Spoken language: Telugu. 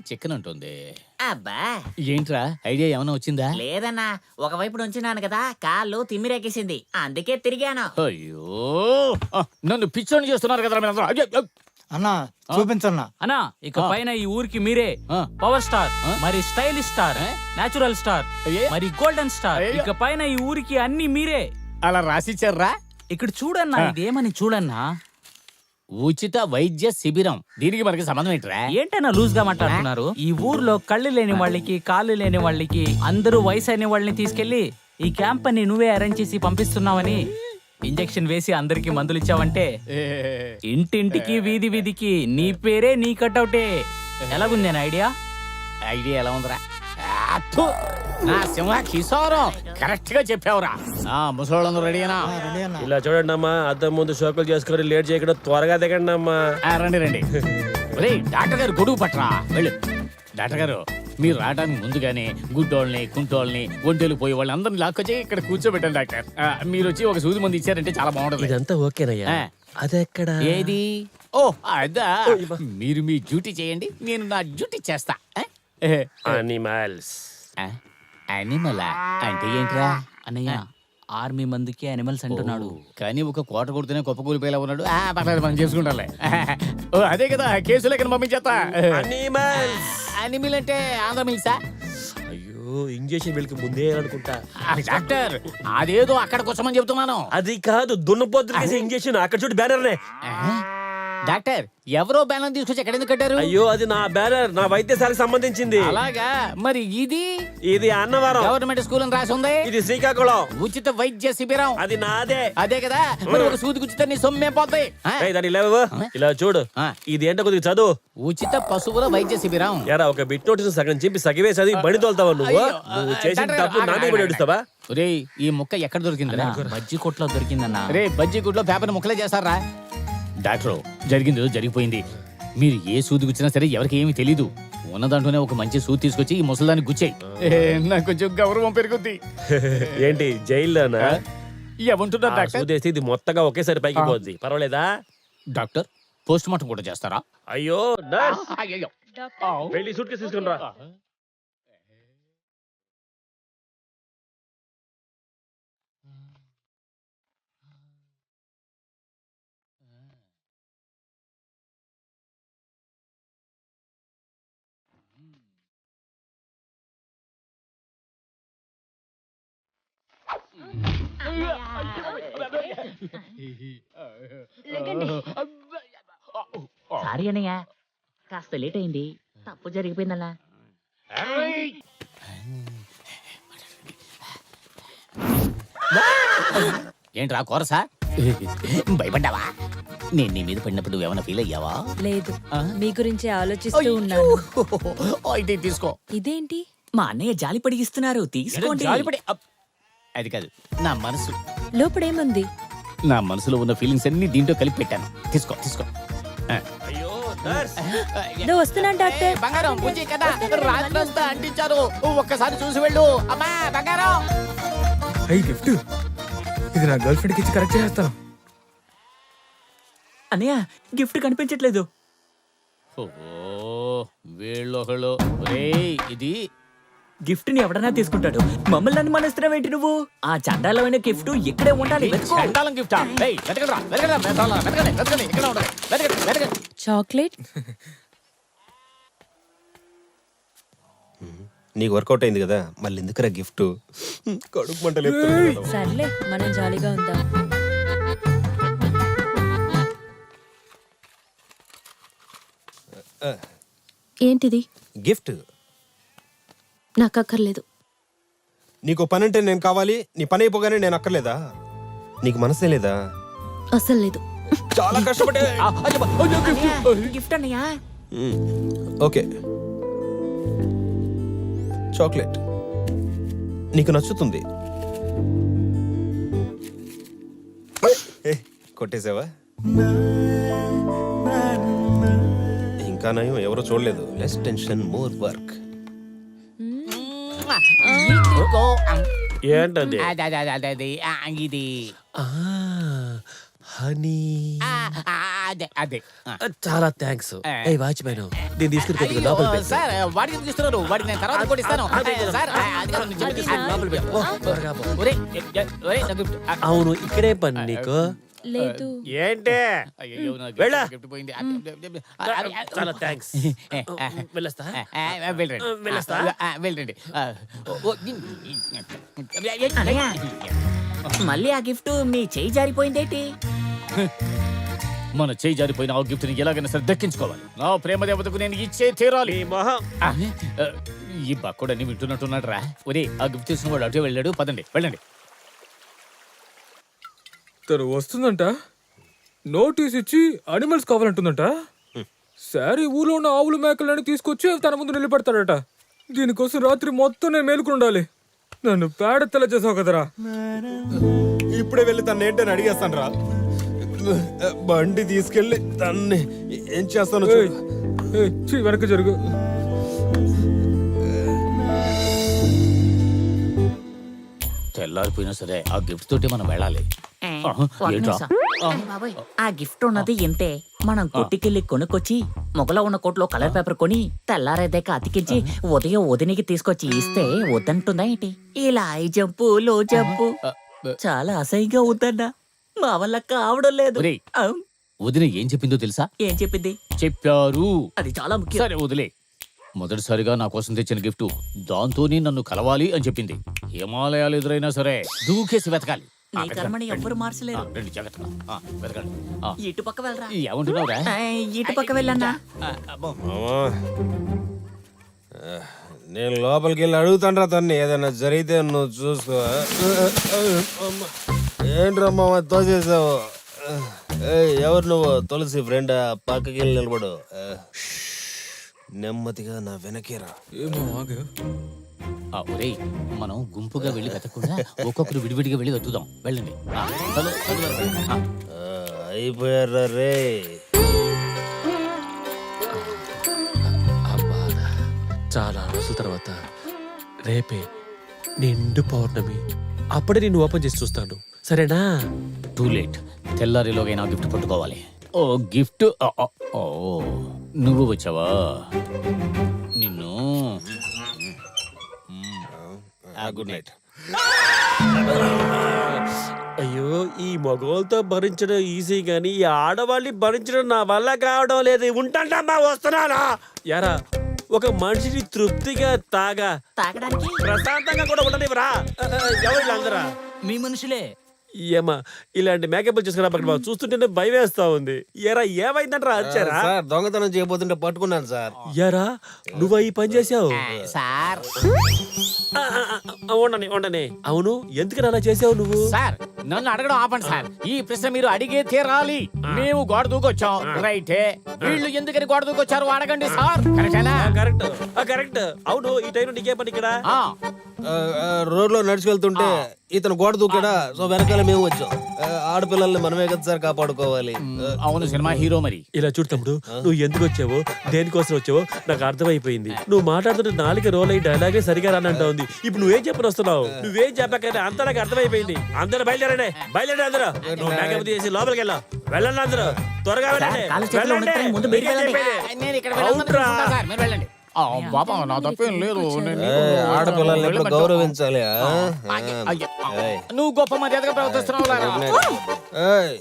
చికెన్ ఉంటుంది. అబ్బా ఏంట్రా ఐడియా ఏమైనా వచ్చిందా? లేదన్నా, ఒకవైపు నుంచున్నాను కదా, కాళ్ళు తిమ్మిరెక్కేసింది, అందుకే తిరిగాను. అయ్యో నన్ను పిచ్చోని చేస్తున్నారు కదా మీరందరూ. అయ్యో, అన్నా చూపించన్నా. అన్నా ఇక పైన ఈ ఊరికి మీరే పవర్ స్టార్, మరి స్టైలిష్ స్టార్, నేచురల్ స్టార్, మరి గోల్డెన్ స్టార్. ఇక పైన ఈ ఊరికి అన్ని మీరే. అలా రాసిచ్చారా? ఇక్కడ చూడన్నా, ఇదేమని చూడన్నా. ఉచిత వైద్య శిబిరం. దీనికి మనకి సంబంధం ఏంట్రా? ఏంటన్నా లూజ్ గా మాట్లాడుతున్నారు? ఈ ఊర్లో కళ్ళు లేని వాళ్ళకి, కాళ్ళు లేని వాళ్ళకి, అందరూ వయసు అయిన వాళ్ళని తీసుకెళ్లి ఈ క్యాంప్ ని నువ్వే అరేంజ్ చేసి పంపిస్తున్నావని ఇంజెక్షన్ వేసి అందరికి మందులు ఇచ్చావంటే ఇంటింటికి వీధి వీధికి నీ పేరే నీ కట్అవుటే. ఎలాగుంది అని ఐడియా? ఐడియా ఎలా ఉందిరా? నా సింహ కిశోరం కరెక్ట్ గా చెప్పావురా. ముసలోళ్ళందరూ రెడీనా? ఇలా చూడండి అమ్మా, అద్దం ముందు షోకులు చేసుకుని లేట్ చేయకుండా త్వరగా దిగండి అమ్మా. రండి రండి. డాక్టర్ గారు గొడుగు పట్టరా వెళ్ళు. డాక్టర్ గారు మీరు రావడానికి ముందుగానే గుడ్డోళ్ళని, కుంటోళ్ళని, ఒంటేలు పోయే వాళ్ళని అందరిని లాక్కొచ్చి ఇక్కడ కూర్చోబెట్టాను డాక్టర్. మీరు వచ్చి ఒక సూది మంది ఇచ్చారంటే చాలా బాగుంటుంది. ఇదంతా ఓకేనయ్యా. అదెక్కడ? ఏది? ఓ అదా. మీరు మీ డ్యూటీ చేయండి, నేను నా డ్యూటీ చేస్తా. అనిమల్స్. అనిమలా అంటే ఏంట్రా? అన్నయ్య ఆర్మీ మందికి అనిమల్స్ అంటున్నాడు. కానీ ఒక కోట కొడుతూనే గొప్ప కూలిపోయేలా ఉన్నాడు. పర్లేదు మనం చేసుకుంటాలే. అదే కదా కేసులు ఎక్కడ పంపించేస్తా. అనిమల్ అంటే ఆంధ్ర మిల్సా? అయ్యో ఇంజక్షన్ వెళ్ళి ముందే అనుకుంటా. డాక్టర్ అదేదో అక్కడ కూర్చోమని చెప్తున్నాను. అది కాదు, దున్నపోతు ఇంజక్షన్. అక్కడ చూడు బ్యానర్నే. డాక్టర్ ఎవరో బ్యానర్ తీసుకొచ్చి ఎక్కడ ఎందుకు కట్టారు? అయ్యో అది నా బ్యానర్, నా వైద్యశాలకు సంబంధించింది. అలాగా? మరి ఇది అన్నవరం గవర్నమెంట్ స్కూల్ అని రాసి ఉంది. ఇది శ్రీకాకుళం ఉచిత వైద్య శిబిరం. అది నాదే. అదే కదా, మరి ఒక సూది గుచ్చితే నీ సొమ్మే పోతాయి. ఇలా చూడు, ఇది ఏంటో కొద్దిగా చదువు. ఉచిత పశువుల వైద్య శిబిరం. ఎరా ఒక బిట్ నోటీస్ సగం చెప్పి సగమే చదివి బడి తోలుతావా నువ్వు? నువ్వు చేసిన తప్పు నా మీద ఏడుస్తావా? రే ఈ ముక్క ఎక్కడ దొరికిందిరా? బజ్జీ కొట్లో దొరికిందన్నా. రే బజ్జీ కొట్లో పేపర్ ముక్కలే చేస్తారా? డాక్టర్ జరిగింది జరిగిపోయింది. మీరు ఏ సూది గుచ్చినా సరే ఎవరికి ఏమీ తెలీదు. ఉన్న దాంట్లోనే ఒక మంచి సూది తీసుకొచ్చి ఈ ముసలిదాన్ని గుచ్చాయి. నాకు కొంచెం గౌరవం పెరుగుద్ది. ఏంటి జైల్లోనా? ఏమంటున్నారు డాక్టర్? ఇది మొత్తగా ఒకేసారి పైకి పోద్ది, పర్వాలేదా? డాక్టర్ పోస్ట్ మార్టం కూడా చేస్తారా? అయ్యో వెళ్ళి సూట్ కేసు తీసుకుని రా. సారీ అన్నయ్య, కాస్త లేట్ అయింది, తప్పు జరిగిపోయిందన్నా. ఏంట్రా కోరసా? భయపడ్డావా? నేను నీ మీద పడినప్పుడు ఏమైనా ఫీల్ అయ్యావా? లేదు, మీ గురించి ఆలోచిస్తూ ఉన్నాను. అయితే తీసుకో. ఇదేంటి? మా అన్నయ్య జాలిపడి ఇస్తున్నారు, తీసుకోండి. అది కాదు, నా మనసు. లోపడేముంది? నా మనసులో ఉన్న ఫీలింగ్స్ అన్ని దీంట్లో కలిపి పెట్టాను. తీసుకో తీసుకో. వస్తున్నాను డాక్టర్. బంగారం పూజీ కదా, రాత్రంతా అంటించారు, ఒక్కసారి చూసి వెళ్ళు. అమ్మా బంగారం. గిఫ్ట్ ఇది నా గర్ల్ ఫ్రెండ్ కి ఇచ్చి కరెక్ట్ చేస్తాను. అన్నయ్య గిఫ్ట్ కనిపించట్లేదు. వీళ్ళొకళ్ళు. ఇది గిఫ్ట్ ని ఎవడన్నా తీసుకుంటాడు, మమ్మల్ని అనుమానిస్తున్నావు ఏంటి నువ్వు? ఆ చండాలమైన గిఫ్ట్ ఇక్కడే ఉండాలి. చాక్లెట్ నీకు వర్కౌట్ అయింది కదా, మళ్ళీ ఎందుకురా గిఫ్ట్? కడుపు మంటలు. సర్లే మనం జాలీగా ఉందాం. ఏంటిది? గిఫ్ట్ నాకు అక్కర్లేదు. నీకు పని అంటే నేను కావాలి, నీ పని అయిపోగానే నేను అక్కర్లేదా? నీకు మనసే లేదా? అసలు లేదు. చాలా కష్టపడే గిఫ్ట్ అన్నయ్య. ఓకే, చాక్లెట్ నీకు నచ్చుతుంది. కొట్టేసావా? ఇంకా నయం ఎవరో చూడలేదు. Less tension more work. ఏంటది? ఇది హనీ అదే అదే చాలా థ్యాంక్స్. ఏ వాచ్మెన్ దీన్ని తీసుకుని కొద్దిగా లోపల పెట్టు. సార్ వాడికి ఎందుకు ఇస్తున్నారు? వాడికి నేను తర్వాత కూడా ఇస్తాను. సార్ అది కాదు, నేను చెప్పేది సార్. లోపల పెట్టు. ఓ, త్వరగా పో. ఒరేయ్, ఒరేయ్, నా gift. అవును ఇక్కడే పని నీకు. లేదు. ఏంటి అయ్యయ్యో, నా వెళ్ళా. gift పోయింది. చాలా థ్యాంక్స్. వెళ్ళొస్తా. వెళ్ళండి. వెళ్ళొస్తా? వెళ్ళండి. అన్నయ్య. మళ్ళీ ఆ గిఫ్ట్ మీ చేయి జారిపోయిందేటి? మన చేయి జారిపోయిన ఆ గిఫ్ట్ ని ఎలాగైనా సరే దక్కించుకోవాలి. నా ప్రేమ దేవతకు నేను ఇచ్చే తీరాలి. ఈ మొహం. ఈ బక్కడని వింటున్నట్టున్నాడు రా. ఒరే, ఆ గిఫ్ట్ తీసుకున్న వాడు అటే వెళ్ళాడు. పదండి, వెళ్ళండి. తను వస్తుందంట, నోటీస్ ఇచ్చి అనిమల్స్ కావాలంటుందంట. సరే ఊళ్ళో ఉన్న ఆవులు మేకలని తీసుకొచ్చి తన ముందు నిలబెడతాడట. దీనికోసం రాత్రి మొత్తం నేను మేలుకుని ఉండాలి. నన్ను పేడెత్తలా చేసావు కదరా. ఇప్పుడే వెళ్ళి తను ఏంటని అడిగేస్తాను రా. బండి తీసుకెళ్ళి తన్ని ఏం చేస్తాను చూడు. వెనక జరుగు. తెల్లారిపోయినా సరే ఆ గిఫ్ట్ తోటి మనం వెళ్ళాలి. ఏంట్రా? బాబాయ్, ఆ గిఫ్ట్ ఉన్నది ఇంతే. మనం కొట్టికెళ్ళి కొనుక్కొచ్చి మొగలో ఉన్న కోట్లో కలర్ పేపర్ కొని తెల్లారేదాక అతికించి ఉదయం వదినికి తీసుకొచ్చి ఇస్తే వద్దంటుందా ఏంటి? ఇలా ఐ జంపు లో జంపు చాలా అసహ్యంగా వద్దన్నా. మా వల్ల కావడం లేదు. ఒరేయ్. ఆ, వదిన ఏం చెప్పిందో తెలుసా? ఏం చెప్పింది? చెప్పారు. అది చాలా ముఖ్యం. సరే వదిలే. మొదటిసారిగా నా కోసం తెచ్చిన గిఫ్ట్ దాంతోనే నన్ను కలవాలి అని చెప్పింది. హిమాలయాలు ఎదురైనా సరే దూకేసి వెతకాలి. నీ కర్మని ఎవ్వరు మార్చలేరు. రండి, జాగ్రత్తగా. వెతకండి. ఇటు పక్క వెళ్ళరా. ఏమంటున్నావురా? ఇటు పక్క వెళ్ళన్నా. మామా, నేను లోపలికి వెళ్ళి అడుగుతాను తన్ని. ఏదైనా జరిగితే నువ్వు చూసుకో. ఏంట్రా మామ తోసేసావు? ఎవరు నువ్వు? తులసి ఫ్రెండ్. పక్కకి వెళ్ళి నిలబడు. నెమ్మదిగా నా వెనకేరా. ఏమో ఆగు. ఒరేయ్, మనం గుంపుగా వెళ్ళి వెతకుండా ఒక్కొక్కరు విడివిడిగా వెళ్ళి వెతుకుదాం. వెళ్ళండి. అయిపోయారా రే. అబ్బా, చాలా రోజుల తర్వాత రేపే నిండు పౌర్ణమి. అప్పుడే నిన్ను ఓపెన్ చేసి చూస్తాను, సరేనా? Too late. తెల్లారిలోగైనా గిఫ్ట్ పట్టుకోవాలి. ఓ గిఫ్ట్. ఓ నువ్వు వచ్చావా? నిన్ను. Good night. అయ్యో, ఈ మగవాళ్ళతో భరించడం ఈజీ గానీ ఈ ఆడవాళ్ళని భరించడం నా వల్ల కావడం లేదు. ఉంటాంటమ్మా, వస్తున్నానా? యారా, ఒక మనిషిని తృప్తిగా తాగడానికి ప్రశాంతంగా కూడా ఉండనివ్వరా? ఎవరు వీళ్ళందరా? మీ మనుషులే. ఏమా, ఇలాంటి మేకప్ చేసుకురా పక్కన చూస్తుంటేనే భయం వేస్తా ఉంది. ఎరా, ఏమైందంటారా? వచ్చారా? సార్, దొంగతనం చేయబోతుంటే పట్టుకున్నాను సార్. యారా, నువ్వు ఈ పని చేసావు? సార్ ఉండని. అవును, ఎందుకు అలా చేసావు నువ్వు? సార్, నన్ను అడగడం ఆపండి సార్. ఈ ప్రశ్న మీరు అడిగే తీరాలి. మేము గోడ దూకొచ్చాం, రైటే. వీళ్ళు ఎందుకని గోడ దూకొచ్చారు అడగండి సార్. కరెక్టేనా? కరెక్ట్. అవును, ఈ టైంలో నీకే పని ఇక్కడ? రోడ్ లో నడుచుకెళ్తుంటే ఇతను గోడ దూకాడా, సో వెనకాల మేము వచ్చాం. ఆడపిల్లల్ని మనమే కదా సార్ కాపాడుకోవాలి. అవును, సినిమా హీరో మరి. ఇలా చూడు తమ్ముడు, నువ్వు ఎందుకు వచ్చావో దేనికోసం వచ్చావో నాకు అర్థమైపోయింది. నువ్వు మాట్లాడుతుంటే నాలుక రోల్ అయ్యి డైలాగే సరిగా రానంటా ఉంది. ఇప్పుడు నువ్వేం చెప్పని వస్తున్నావు? నువ్వేం చెప్పకనే అంతా నాకు అర్థమైపోయింది. అందరూ బయలుదేరండి అందరూ. నువ్వు మేకప్ చేసి లోపలికి వెళ్ళండి అందరూ. త్వరగా వెళ్ళండి. ముందు మీరు వెళ్ళండి. నేను ఇక్కడ వెళ్ళాలనుకుంటున్నా సార్, మీరు వెళ్ళండి. బాబా, నా తప్పేం లేదు. ఆడపిల్లల్ని ఎప్పుడు గౌరవించాలి. నువ్వు గొప్ప మర్యాదగా ప్రవర్తిస్తున్నావు.